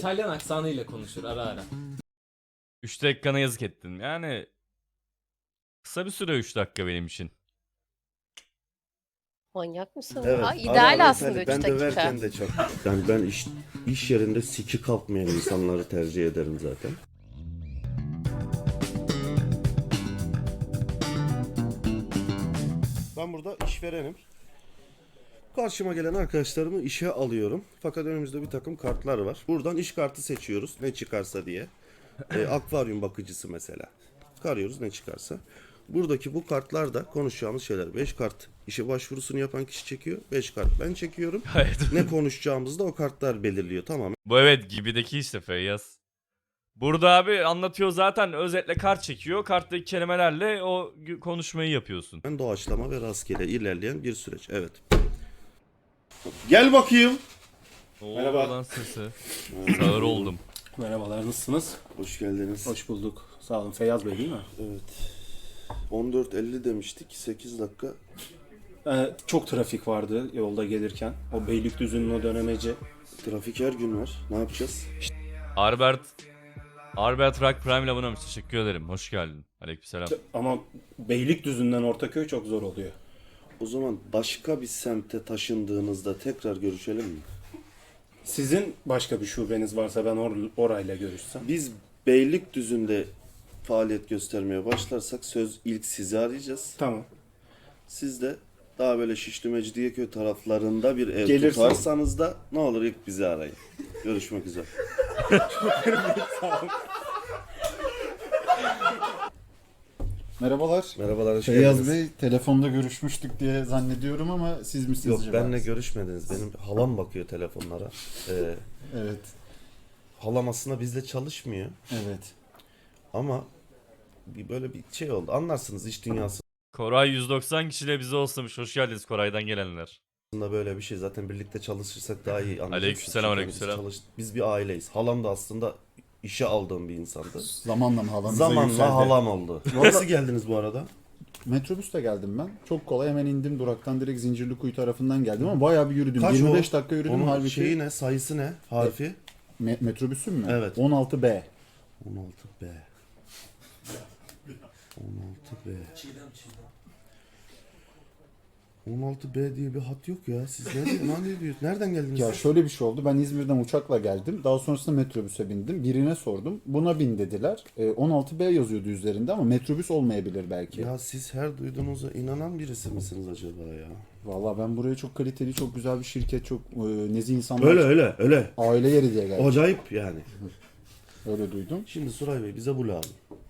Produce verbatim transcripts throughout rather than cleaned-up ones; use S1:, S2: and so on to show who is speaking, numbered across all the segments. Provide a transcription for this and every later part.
S1: İtalyan aksanıyla konuşur ara ara.
S2: üç dakikana yazık ettin. Yani kısa bir süre üç dakika benim için.
S3: Manyak mısın?
S4: Evet.
S3: Aa,
S4: Ara
S3: ideal
S4: ara
S3: aslında
S4: İtalya-
S3: üç
S4: Ben
S3: dakika.
S4: döverken de çok. Yani ben iş, iş yerinde siki kalkmayan insanları tercih ederim zaten. Ben burada işverenim. Karşıma gelen arkadaşlarımı işe alıyorum. Fakat önümüzde bir takım kartlar var. Buradan iş kartı seçiyoruz ne çıkarsa diye. E, akvaryum bakıcısı mesela. Karıyoruz ne çıkarsa. Buradaki bu kartlar da konuşacağımız şeyler. beş kart işe başvurusunu yapan kişi çekiyor. beş kart ben çekiyorum.
S2: Gayet.
S4: Ne konuşacağımızı da o kartlar belirliyor. Tamamen
S2: Bu evet gibideki işte Feyyaz. Burada abi anlatıyor zaten, özetle kart çekiyor. Karttaki kelimelerle o gü- konuşmayı yapıyorsun.
S4: doğaçlama ve rastgele ilerleyen bir süreç. Evet. Gel bakayım.
S2: Oo,
S5: Merhaba.
S2: lan sesi. Sağır oldum.
S5: Merhabalar, nasılsınız?
S4: Hoş geldiniz.
S5: Hoş bulduk. Sağ olun. Feyyaz Bey değil mi?
S4: Evet. on dört elli demiştik. sekiz dakika.
S5: Ee, çok trafik vardı yolda gelirken. O Beylikdüzü'nün o dönemeci.
S4: Trafik her gün var. Ne yapacağız?
S2: Arbert Arbert Rock Prime ile abonemiş. Teşekkür ederim. Hoş geldin. Aleykümselam.
S5: Ama Beylikdüzü'nden Ortaköy çok zor oluyor.
S4: O zaman başka bir semte taşındığınızda tekrar görüşelim mi?
S5: Sizin başka bir şubeniz varsa ben or- orayla görüşsem.
S4: Biz Beylikdüzü'nde faaliyet göstermeye başlarsak söz ilk sizi arayacağız.
S5: Tamam.
S4: Siz de daha böyle Şişli Mecidiyeköy taraflarında bir ev
S5: Gelirsem-
S4: tutarsanız da ne olur ilk bizi arayın. Görüşmek üzere.
S6: Merhabalar.
S4: Merhabalar, hoş
S6: Feyyaz
S4: geldiniz.
S6: Bey, telefonda görüşmüştük diye zannediyorum ama siz misiniz
S4: Yok,
S6: acaba?
S4: benle görüşmediniz. Benim halam bakıyor telefonlara. Ee,
S6: Evet,
S4: halam aslında bizde çalışmıyor.
S6: evet.
S4: Ama bir böyle bir şey oldu. Anlarsınız, iş dünyasında
S2: Koray yüz doksan kişiyle bize olsamış. Hoş geldiniz Koray'dan gelenler.
S4: böyle bir şey. Zaten birlikte çalışırsak daha iyi anlayacaksınız.
S2: Aleykümselam,
S4: Çünkü
S2: aleykümselam.
S4: Biz, çalış- biz bir aileyiz. Halam da aslında işe aldığım bir insandı.
S6: Zamanla mı halanıza
S4: Zamanla
S6: yükseldi?
S4: halam oldu. Nasıl geldiniz bu arada?
S6: Metrobüste geldim ben. Çok kolay, hemen indim duraktan, direkt Zincirlikuyu tarafından geldim ama bayağı bir yürüdüm.
S4: Kaç
S6: yirmi
S4: o?
S6: beş dakika yürüdüm
S4: Onun
S6: halbuki.
S4: şeyi ne? Sayısı ne? Harfi?
S6: Me- metrobüsüm mü?
S4: Evet.
S6: on altı B.
S4: on altı B. on altı B. on altı B diye bir hat yok ya. Siz nereden, ne diyorsunuz? Nereden geldiniz?
S6: Ya
S4: siz?
S6: şöyle bir şey oldu. Ben İzmir'den uçakla geldim. Daha sonrasında metrobüse bindim. Birine sordum. Buna bin dediler. E, on altı B yazıyordu üzerinde ama metrobüs olmayabilir belki.
S4: Ya siz her duyduğunuza inanan birisi misiniz acaba ya?
S6: Vallahi ben buraya çok kaliteli, çok güzel bir şirket, çok e, nezih insanlar,
S4: Öyle öyle öyle.
S6: aile yeri diye geldim.
S4: Acayip yani.
S6: Öyle duydum.
S4: Şimdi Suray Bey bize bu lazım.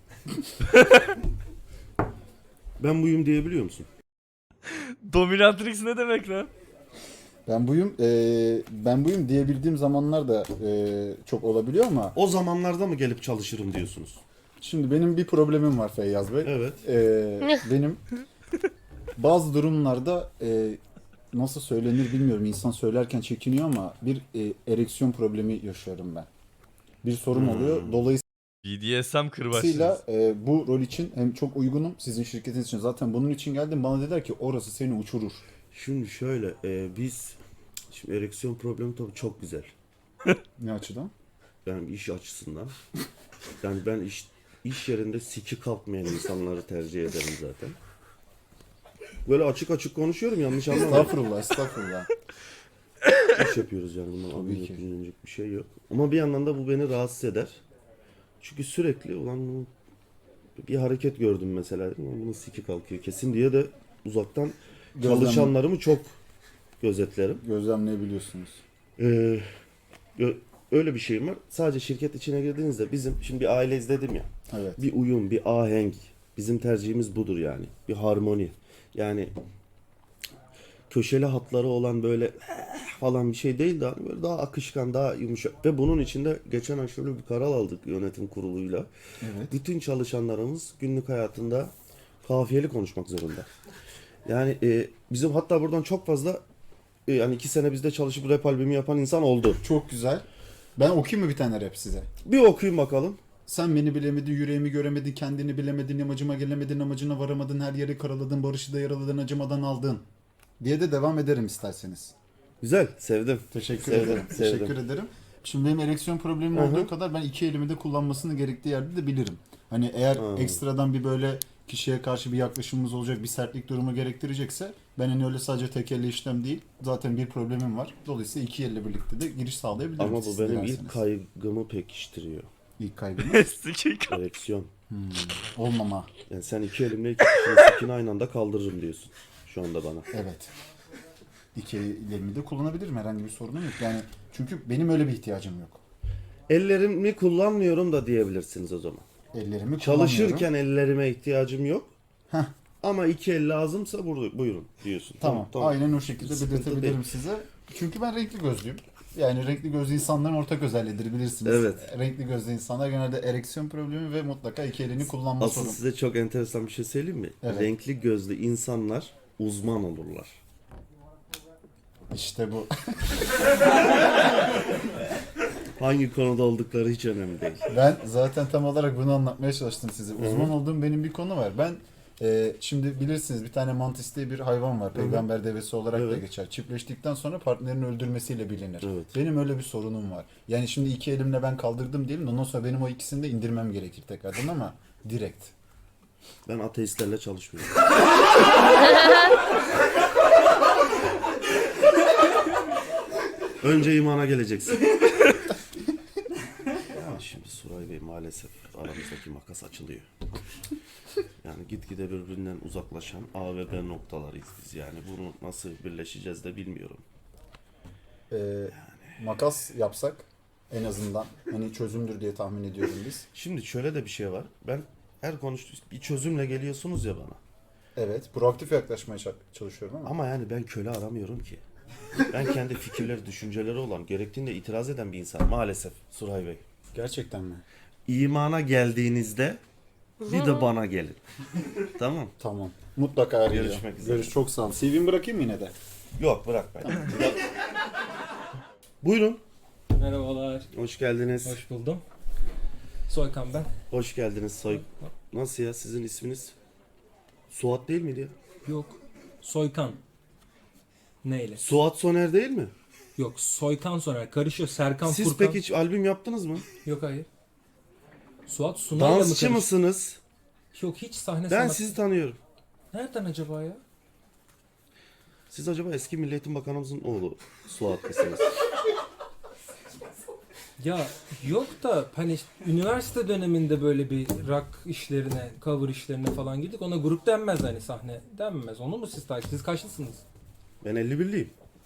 S4: Ben buyum diyebiliyor musun?
S2: Dominatrix ne demek lan?
S6: Ben buyum, e, ben buyum diyebildiğim zamanlar da e, çok olabiliyor ama
S4: O zamanlarda mı gelip çalışırım diyorsunuz?
S6: şimdi benim bir problemim var Feyyaz Bey.
S4: Evet.
S6: E, benim bazı durumlarda e, nasıl söylenir bilmiyorum. İnsan söylerken çekiniyor ama bir e, ereksiyon problemi yaşıyorum ben. Bir sorun oluyor. Dolayısıyla
S2: B D S M kırbaçlıyız.
S6: e, bu rol için hem çok uygunum sizin şirketiniz için. Zaten bunun için geldim. Bana dediler ki orası seni uçurur.
S4: Şimdi şöyle e, biz şimdi ereksiyon problemi tabii çok güzel.
S6: Ne açıdan?
S4: Yani iş açısından. Yani ben iş iş yerinde siki kalkmayan insanları tercih ederim zaten. Böyle açık açık konuşuyorum, yanlış anlamayın.
S6: Estağfurullah, estağfurullah.
S4: İş yapıyoruz yani, bundan
S6: Tabii ki.
S4: anlayacak bir şey yok. Ama bir yandan da bu beni rahatsız eder. Çünkü sürekli ulan bunu bir hareket gördüm mesela, dedim, "Ulan bunun siki kalkıyor kesin" diye de uzaktan
S6: Gözlem-
S4: çalışanlarımı çok gözetlerim.
S6: Gözlemleyebiliyorsunuz.
S4: Ee, ö- öyle bir şeyim var. Sadece şirket içine girdiğinizde bizim şimdi bir aileyiz dedim ya.
S6: Evet.
S4: Bir uyum, bir ahenk. Bizim tercihimiz budur yani. Bir harmoni. Yani köşeli hatları olan böyle falan bir şey değil de hani böyle daha akışkan, daha yumuşak. Ve bunun içinde geçen ay şöyle bir karar aldık yönetim kuruluyla.
S6: Evet.
S4: Bütün çalışanlarımız günlük hayatında kafiyeli konuşmak zorunda. Yani e, bizim hatta buradan çok fazla e, yani iki sene bizde çalışıp rap albümü yapan insan oldu.
S6: Çok güzel. Ben okuyayım mı bir tane rap size?
S4: Bir okuyun bakalım.
S6: Sen beni bilemedin, yüreğimi göremedin, kendini bilemedin, amacıma gelemedin, amacına varamadın, her yeri karaladın, barışı da yaraladın, acımadan aldın. Diye de devam ederim isterseniz.
S4: Güzel, sevdim.
S6: Teşekkür
S4: Sevdim,
S6: ederim.
S4: sevdim.
S6: Teşekkür ederim. Şimdi benim ereksiyon problemim
S4: Hı hı.
S6: olduğu kadar ben iki elimi de kullanmasını gerektiği yerde de bilirim. Hani eğer
S4: Hı.
S6: ekstradan bir böyle kişiye karşı bir yaklaşımımız olacak, bir sertlik durumu gerektirecekse ben hani öyle sadece tek elle işlem değil. Zaten bir problemim var. Dolayısıyla iki elle birlikte de giriş sağlayabilirim.
S4: Ama bu
S6: siz
S4: benim
S6: dilerseniz.
S4: ilk kaygımı pekiştiriyor.
S6: İlk kaybımız
S2: Sikik.
S4: Ereksiyon.
S6: olmama.
S4: Yani sen iki elimle iki kişinin sikini aynı anda kaldırırım diyorsun. Şu anda bana.
S6: Evet. İki elimi de kullanabilirim. Herhangi bir sorunum yok. Yani çünkü benim öyle bir ihtiyacım yok.
S4: Ellerimi kullanmıyorum da diyebilirsiniz o zaman.
S6: Ellerimi
S4: Çalışırken
S6: kullanmıyorum.
S4: ellerime ihtiyacım yok.
S6: Heh.
S4: Ama iki el lazımsa buyurun, buyurun diyorsun.
S6: Tamam, aynen o şekilde
S4: Sıkıntı
S6: belirtebilirim
S4: değil.
S6: size. Çünkü ben renkli gözlüyüm. Yani renkli gözlü insanların ortak özelliğidir bilirsiniz.
S4: Evet.
S6: Renkli gözlü insanlar genelde ereksiyon problemi ve mutlaka iki elini kullanma
S4: Asıl
S6: sorunu.
S4: size çok enteresan bir şey söyleyeyim mi?
S6: Evet.
S4: Renkli gözlü insanlar uzman olurlar.
S6: İşte bu.
S4: Hangi konuda oldukları hiç önemli değil.
S6: Ben zaten tam olarak bunu anlatmaya çalıştım size. Uzman olduğum benim bir konu var. Ben e, şimdi bilirsiniz bir tane mantis diye bir hayvan var. Peygamber devesi olarak da
S4: Evet.
S6: geçer. Çiftleştikten sonra partnerini öldürmesiyle bilinir.
S4: Evet.
S6: Benim öyle bir sorunum var. Yani şimdi iki elimle ben kaldırdım diyelim. Ondan sonra benim o ikisini de indirmem gerekir tekrardan ama direkt.
S4: Ben ateistlerle çalışmıyorum. Önce imana geleceksin. Ama şimdi Suray Bey maalesef aramızdaki makas açılıyor. Yani gitgide birbirinden uzaklaşan A ve B noktalarıyız biz. Yani bunu nasıl birleşeceğiz de bilmiyorum.
S6: Ee, makas yapsak en azından hani çözümdür diye tahmin ediyorum biz.
S4: Şimdi şöyle de bir şey var. Ben her konuştuğum bir çözümle geliyorsunuz ya bana.
S6: Evet, proaktif yaklaşmaya ça- çalışıyorum ama.
S4: Ama yani ben köle aramıyorum ki. Ben kendi fikirleri, düşünceleri olan, gerektiğinde itiraz eden bir insan maalesef Suray Bey.
S6: Gerçekten mi?
S4: İmana geldiğinizde bir de bana gelin. Tamam.
S6: Tamam. Mutlaka arayacağım.
S4: Görüşmek üzere.
S6: Görüş çok sağ ol. C V'mi bırakayım yine de.
S4: Yok bırak ben. Buyurun.
S1: Merhabalar.
S4: Hoş geldiniz. Hoş,
S1: Hoş buldum. Soykan ben.
S4: geldiniz Soy. Nasıl ya sizin isminiz? Suat değil miydi ya?
S1: Yok. Soykan. Neyle?
S4: Suat Soner değil mi?
S1: Yok. Soykan Soner. Karışıyor. Serkan
S4: Siz
S1: Furkan.
S4: peki hiç albüm yaptınız mı?
S1: Yok hayır. Suat Sunay'la mı
S4: Dansçı
S1: karışıyor?
S4: mısınız?
S1: Yok hiç sahne
S4: Ben
S1: sanat.
S4: sizi tanıyorum.
S1: Nereden acaba ya?
S4: Siz acaba eski Milli Eğitim Bakanımızın oğlu Suat mısınız?
S1: Ya yok da hani işte üniversite döneminde böyle bir rock işlerine, cover işlerine falan girdik. Ona grup denmez hani sahne denmez. Onu mu siz takip? Siz kaçlısınız?
S4: Ben elli birliyim.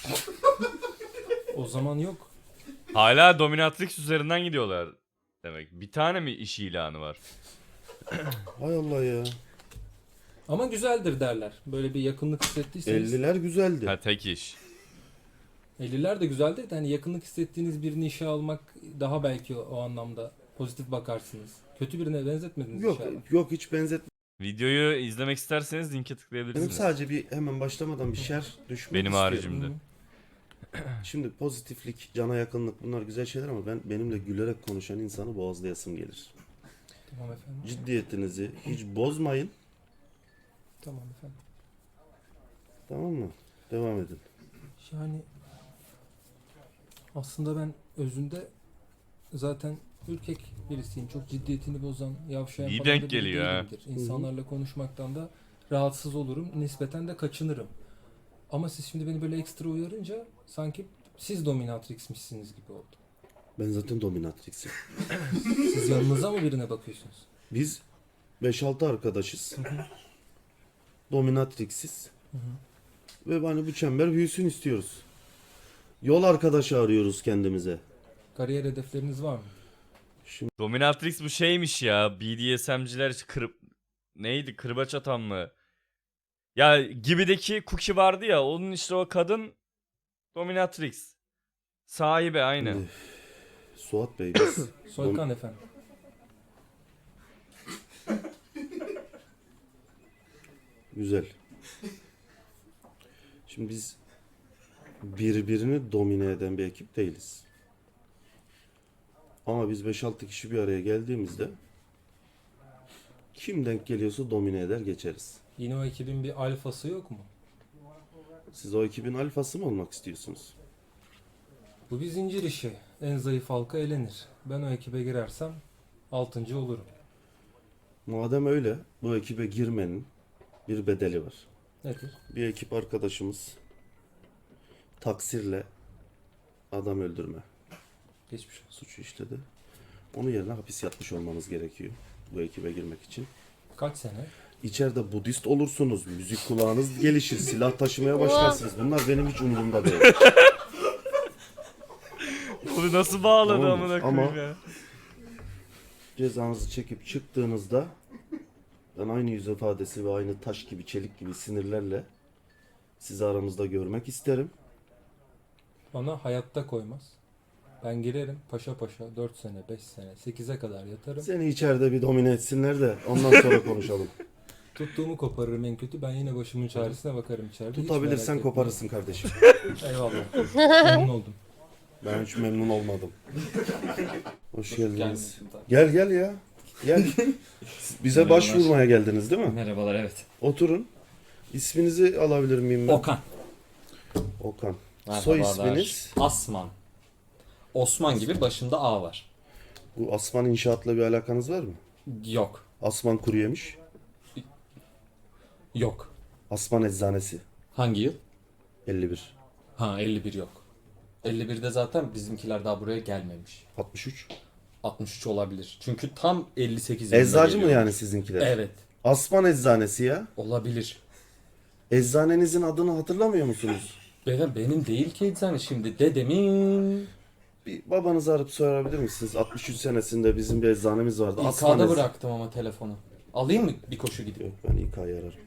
S1: O zaman yok.
S2: Hala dominatrix üzerinden gidiyorlar demek. Bir tane mi iş ilanı var?
S4: Hay Allah ya.
S1: Ama güzeldir derler. Böyle bir yakınlık hissettiyseniz.
S4: elliler güzeldi.
S2: Ha tek iş.
S1: elliler de güzeldir de hani yakınlık hissettiğiniz birini işe almak daha belki o, o anlamda pozitif bakarsınız. Kötü birine benzetmediniz
S4: Yok
S1: inşallah.
S4: yok hiç benzetmedim.
S2: Videoyu izlemek isterseniz linke
S4: Benim
S2: tıklayabilirsiniz.
S4: sadece bir hemen başlamadan bir şer düşmek
S2: Benim
S4: istiyorum.
S2: haricimde.
S1: Hı.
S4: Şimdi pozitiflik, cana yakınlık bunlar güzel şeyler ama ben benimle gülerek konuşan insanı boğazlayasım gelir.
S1: Tamam efendim.
S4: Ciddiyetinizi hiç bozmayın.
S1: Tamam efendim.
S4: Tamam mı? Devam edin.
S1: Yani aslında ben özünde zaten ürkek birisiyim. Çok ciddiyetini bozan, yavşayan
S2: İyi
S1: falan da
S2: denk
S1: biri
S2: geliyor ha.
S1: değilimdir. İnsanlarla konuşmaktan da rahatsız olurum. Nispeten de kaçınırım. Ama siz şimdi beni böyle ekstra uyarınca sanki siz dominatrixmişsiniz gibi oldu.
S4: Ben zaten dominatrixim.
S1: Siz yanınıza mı birine bakıyorsunuz?
S4: Biz beş altı arkadaşız. Dominatrixiz. Ve hani bu çember büyüsün istiyoruz. Yol arkadaşı arıyoruz kendimize.
S1: Kariyer hedefleriniz var mı?
S2: Dominatrix bu şeymiş ya. B D S M'ciler işte kır... Neydi? Kırbaç atan mı? Ya Gibi'deki Cookie vardı ya. Onun işte o kadın Dominatrix. Sahibi aynı.
S4: Şimdi, Suat Bey biz
S1: Soykan efendim.
S4: güzel. Şimdi biz birbirini domine eden bir ekip değiliz. Ama biz beş altı kişi bir araya geldiğimizde kim denk geliyorsa domine eder geçeriz.
S1: Yine o ekibin bir alfası yok mu?
S4: Siz o ekibin alfası mı olmak istiyorsunuz?
S1: Bu bir zincir işi. En zayıf halka elenir. Ben o ekibe girersem altıncı olurum.
S4: Madem öyle, bu ekibe girmenin bir bedeli var.
S1: Nedir?
S4: Bir ekip arkadaşımız taksirle adam öldürme
S1: Geçmiş olsun.
S4: suçu işledi. Onun yerine hapis yatmış olmanız gerekiyor bu ekibe girmek için.
S1: Kaç sene?
S4: İçeride Budist olursunuz, müzik kulağınız gelişir, silah taşımaya başlarsınız. Bunlar benim hiç umurumda değil.
S2: Bunu nasıl bağladı
S4: Tamam mı?
S2: amına
S4: Ama-
S2: koyayım ya?
S4: Cezanızı çekip çıktığınızda ben aynı yüz ifadesi ve aynı taş gibi, çelik gibi sinirlerle sizi aramızda görmek isterim.
S1: Bana hayatta koymaz. Ben girerim paşa paşa dört sene, beş sene, sekize kadar yatarım.
S4: Seni içeride bir domine etsinler de ondan sonra konuşalım.
S1: Tuttuğumu koparırım en kötü. Ben yine başımın çaresine bakarım içeride. Hiç merak
S4: Tutabilirsen
S1: etmeyin.
S4: koparırsın kardeşim.
S1: Eyvallah. Memnun oldum.
S4: Ben hiç memnun olmadım. Hoş geldiniz. Gel gel ya. Gel. Bize
S3: Merhabalar.
S4: başvurmaya geldiniz değil mi?
S3: Merhabalar, evet.
S4: Oturun. İsminizi alabilir miyim ben?
S3: Okan.
S4: Okan. Soy
S3: Merhabalar.
S4: isminiz?
S3: Asman. Osman gibi başında A var.
S4: Bu Asman İnşaat'la bir alakanız var mı?
S3: Yok.
S4: Asman Kuru Yemiş.
S3: Yok.
S4: Asman Eczanesi.
S3: Hangi yıl?
S4: elli bir.
S3: Ha, elli bir yok. elli birde zaten bizimkiler daha buraya gelmemiş.
S4: altmış üç.
S3: altmış üç olabilir. Çünkü tam elli sekiz yılında
S4: Eczacı mı
S3: geliyor.
S4: yani sizinkiler?
S3: Evet.
S4: Asman Eczanesi ya.
S3: Olabilir.
S4: Eczanenizin adını hatırlamıyor musunuz?
S3: Benim, benim değil ki eczane şimdi. Dedemin
S4: Bir babanızı arayıp sorabilir misiniz? altmış üç senesinde bizim bir eczanemiz vardı. Asman
S3: İK'da
S4: Ecz-
S3: bıraktım ama telefonu. Alayım mı bir koşu gidip?
S4: Yok, ben İK'yı ararım.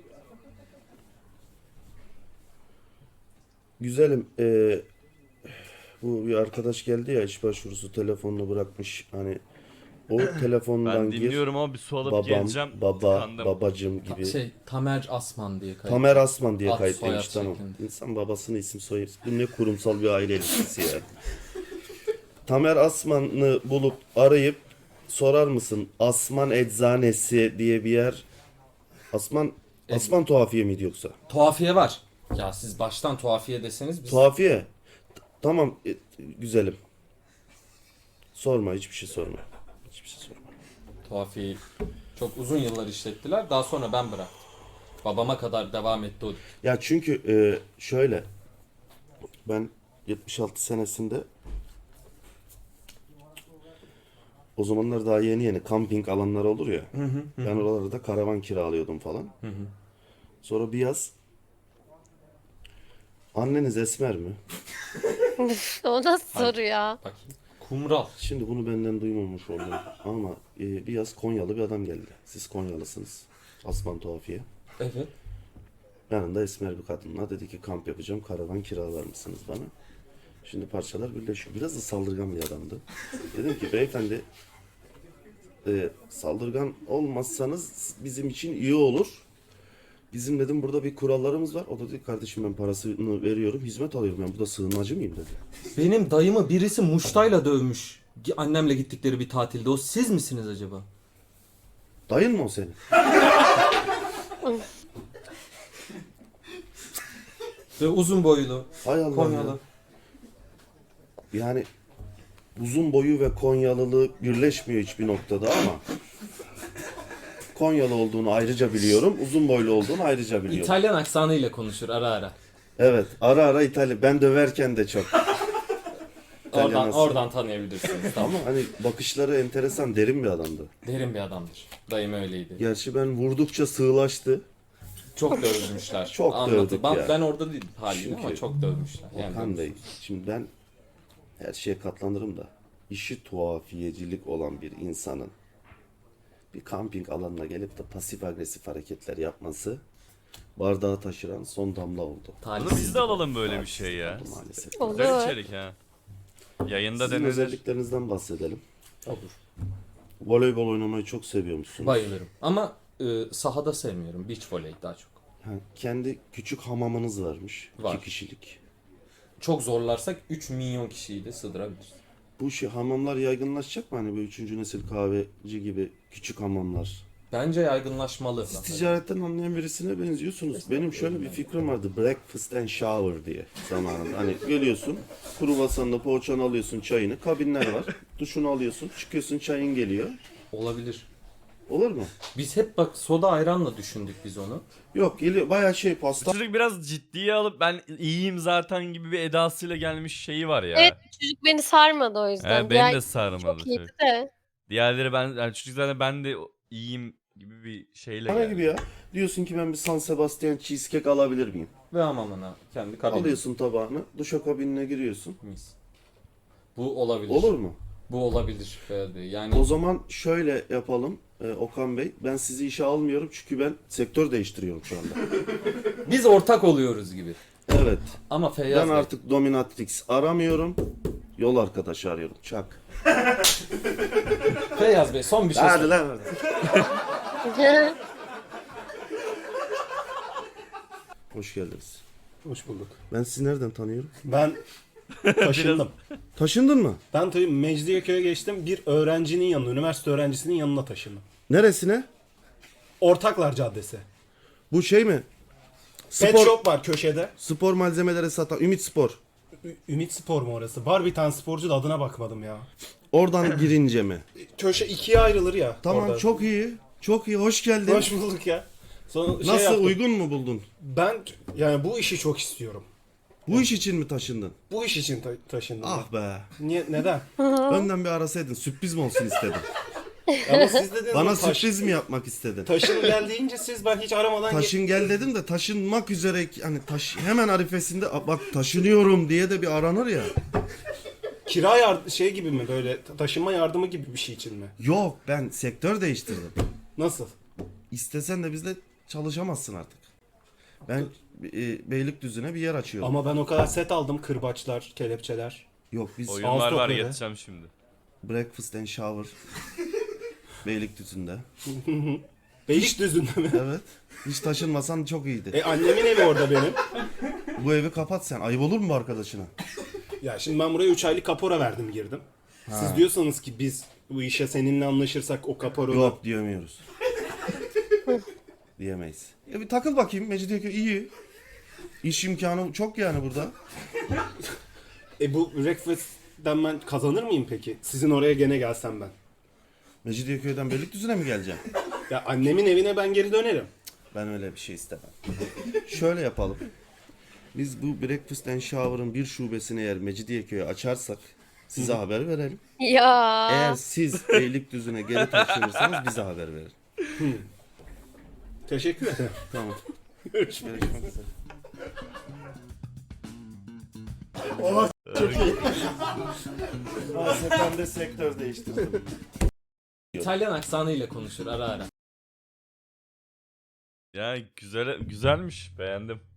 S4: Güzelim. eee, bu bir arkadaş geldi ya, iş başvurusu telefonunu bırakmış. Hani o telefondan
S2: Ben
S4: gir.
S2: dinliyorum ama bir su alıp
S4: Babam,
S2: geleceğim.
S4: baba,
S2: Tıkandım.
S4: babacım
S3: Ta-
S4: gibi.
S3: şey Tamer Asman diye kayıt.
S4: Tamer Asman diye
S3: Ad,
S4: kayıtlıymış,
S3: soyad
S4: tamam.
S3: şeklinde.
S4: İnsan babasını isim soyar. Bu ne kurumsal bir aile ilişkisi ya. Tamer Asman'ı bulup arayıp sorar mısın? Asman Eczanesi diye bir yer. Asman Asman Tuhafiye miydi yoksa?
S3: Tuhafiye var. Ya siz baştan tuhafiye deseniz biz...
S4: Tuhafiye. T- Tamam, e, güzelim. Sorma, hiçbir şey sorma. Hiçbir şey sorma.
S3: Tuhafiyeyi çok uzun yıllar işlettiler. Daha sonra ben bıraktım. Babama kadar devam etti o.
S4: Ya çünkü e, şöyle, ben yetmiş altı senesinde, o zamanlar daha yeni yeni kamping alanları olur ya. Ben oralarda karavan kiralıyordum falan. Sonra bir yaz, anneniz esmer mi?
S7: O nasıl soru ya?
S3: Bakayım. Kumral.
S4: Şimdi bunu benden duymamış oldum ama e, bir yaz Konyalı bir adam geldi. Siz Konyalısınız. Asman Tuhafiye.
S3: Evet.
S4: Yanında esmer bir kadınla dedi ki kamp yapacağım, karavan kiralar mısınız bana? Şimdi parçalar birleşiyor. Biraz da saldırgan bir adamdı. Dedim ki beyefendi, e, saldırgan olmazsanız bizim için iyi olur. Bizim dedim burada bir kurallarımız var. O da dedi kardeşim ben parasını veriyorum, hizmet alıyorum. Ben burada sığınmacı mıyım dedi.
S3: Benim dayımı birisi muştayla dövmüş. Gi- Annemle gittikleri bir tatilde. O siz misiniz acaba?
S4: Dayın mı o senin?
S3: Ve uzun boylu.
S4: Hay Allah
S3: Konyalı.
S4: ya. Yani uzun boyu ve Konyalılığı birleşmiyor hiçbir noktada ama Konyalı olduğunu ayrıca biliyorum. Uzun boylu olduğunu ayrıca biliyorum.
S3: İtalyan aksanıyla konuşur ara ara.
S4: Evet, ara ara İtalya. Ben döverken de çok. İtalyan
S3: Oradan,
S4: aksanı.
S3: oradan tanıyabilirsiniz. Tamam.
S4: Ama hani bakışları enteresan, derin bir adamdı.
S3: Derin bir adamdır. Dayım öyleydi.
S4: Gerçi ben vurdukça sığlaştı.
S3: Çok dövmüşler.
S4: Çok
S3: Anlatı-
S4: dövdük
S3: ben,
S4: ya.
S3: ben orada değilim haliyle ama
S4: Çünkü
S3: çok dövmüşler. Yani
S4: Okan Bey,
S3: dövmüşler.
S4: şimdi ben her şeye katlanırım da işi tuhafiyecilik olan bir insanın bir kamping alanına gelip de pasif agresif hareketler yapması bardağı taşıran son damla oldu.
S2: Bunu
S3: Talihsiz.
S2: biz de alalım böyle bir şey ya.
S4: Maalesef.
S2: Güzel
S7: Olur.
S2: içerik ha. Yayında
S4: Sizin
S2: denenir.
S4: özelliklerinizden bahsedelim.
S3: Olur.
S4: Voleybol oynamayı çok seviyormuşsunuz.
S3: Bayılırım. Ama e, sahada sevmiyorum. Beach volley daha çok.
S4: Ha, kendi küçük hamamınız varmış.
S3: Var.
S4: İki kişilik.
S3: Çok zorlarsak üç milyon kişiyi de sığdırabiliriz.
S4: Bu şey hamamlar yaygınlaşacak mı? Hani böyle üçüncü nesil kahveci gibi küçük hamamlar.
S3: Bence yaygınlaşmalı.
S4: Siz ticaretten anlayan birisine benziyorsunuz. Benim şöyle bir fikrim vardı. Breakfast and shower diye zamanında. Hani geliyorsun, kruvasanla poğaçanı alıyorsun, çayını. Kabinler var. Duşunu alıyorsun, çıkıyorsun, çayın geliyor.
S3: Olabilir.
S4: Olur mu?
S3: Biz hep bak soda ayranla düşündük biz onu.
S4: Yok, geliyor bayağı şey
S2: Bu
S4: pasta.
S2: çocuk biraz ciddiye alıp ben iyiyim zaten gibi bir edasıyla gelmiş şeyi var ya.
S7: Evet, çocuk beni sarmadı o yüzden.
S2: He, beni
S7: Diğer
S2: de sarmadı.
S7: çok iyiydi
S2: çocuk.
S7: de.
S2: Diğerleri ben yani çocuk zaten ben de iyiyim gibi bir şeyle
S4: Bana
S2: geldi.
S4: gibi ya. Diyorsun ki ben bir San Sebastian cheesecake alabilir miyim?
S3: Ve hamamına kendi kabini.
S4: Alıyorsun tabağını, duşakabinine giriyorsun.
S3: Mis. Bu olabilir.
S4: Olur mu?
S3: Bu olabilir Ferhat Bey. Yani
S4: O zaman şöyle yapalım e, Okan Bey. Ben sizi işe almıyorum çünkü ben sektör değiştiriyorum şu anda.
S3: biz ortak oluyoruz gibi.
S4: Evet.
S3: Ama Feyyaz
S4: Ben
S3: Bey.
S4: artık dominatrix aramıyorum. Yol arkadaşı arıyorum. Çak.
S3: Feyyaz Bey son bir şey
S4: Hadi
S3: sor.
S4: lan artık. Hoş geldiniz.
S5: Hoş bulduk.
S4: Ben sizi nereden tanıyorum?
S5: Ben taşındım.
S4: Taşındın mı?
S5: Ben tabii Mecidiyeköy'e geçtim. Bir öğrencinin yanına, üniversite öğrencisinin yanına taşındım.
S4: Neresine?
S5: Ortaklar Caddesi.
S4: Bu şey mi?
S5: Pet
S4: Spor,
S5: shop var köşede.
S4: spor malzemeleri satan Ümit Spor.
S5: Ü- Ümit Spor mu orası? Var bir tane sporcu da adına bakmadım ya.
S4: Oradan girince mi?
S5: Köşe ikiye ayrılır ya.
S4: Tamam,
S5: orada.
S4: çok iyi. Çok iyi. Hoş geldin.
S5: Hoş bulduk ya. Sonra şey
S4: Nasıl,
S5: yaptım.
S4: uygun mu buldun?
S5: Ben yani bu işi çok istiyorum.
S4: Bu iş için mi taşındın?
S5: Bu iş için ta- taşındım.
S4: Ah be.
S5: ben. Niye, neden?
S4: Önden bir arasaydın. Sürpriz mi olsun istedim.
S5: Ama siz dediniz
S4: Bana
S5: ama taş,
S4: sürpriz mi yapmak istedin?
S5: taşın gel deyince siz ben hiç aramadan ge-
S4: Taşın gel dedim de taşınmak üzere hani taş hemen arifesinde "Aa, bak taşınıyorum" diye de bir aranır ya.
S5: kira yard şey gibi mi böyle ta- taşınma yardımı gibi bir şey için mi?
S4: Yok, ben sektör değiştirdim.
S5: Nasıl?
S4: İstesen de bizle çalışamazsın artık. Ben e, Beylikdüzü'ne bir yer açıyorum.
S5: Ama ben o kadar set aldım kırbaçlar, kelepçeler.
S4: Yok, biz
S2: Oyunlar
S5: Ağustos
S2: var
S5: böyle.
S2: yetişeceğim şimdi.
S4: breakfast and shower Beylikdüzü'nde.
S5: Beylikdüzü'nde mi?
S4: Evet. Hiç taşınmasan çok iyiydi.
S5: E annemin evi orada benim.
S4: Bu evi kapat sen. Ayıp olur mu bu arkadaşına?
S5: Ya şimdi ben buraya üç aylık kapora verdim girdim. Siz diyorsanız ki biz bu işe seninle anlaşırsak o kaporu...
S4: Yok diyemiyoruz. Diyemeyiz. Ya bir takıl bakayım. Mecidiyeköy iyi. İş imkanı çok yani burada.
S5: E bu breakfast'ten ben kazanır mıyım peki? Sizin oraya gene gelsem ben.
S4: Mecidiyeköy'den Beylikdüzü'ne mi geleceğim?
S5: Ya annemin evine ben geri dönerim.
S4: Ben öyle bir şey istemem. Şöyle yapalım. Biz bu Breakfast and Shower'ın bir şubesini eğer Mecidiyeköy'e açarsak size haber verelim.
S7: Ya.
S4: Eğer siz Beylikdüzü'ne geri taşınırsanız bize haber verin.
S5: Teşekkür ederim.
S4: Tamam.
S5: Görüşmek üzere.
S4: Görüşmek üzere. Maalesef ben de sektör değiştirdim.
S3: İtalyan aksanıyla konuşur ara ara.
S2: Ya güzel güzelmiş beğendim.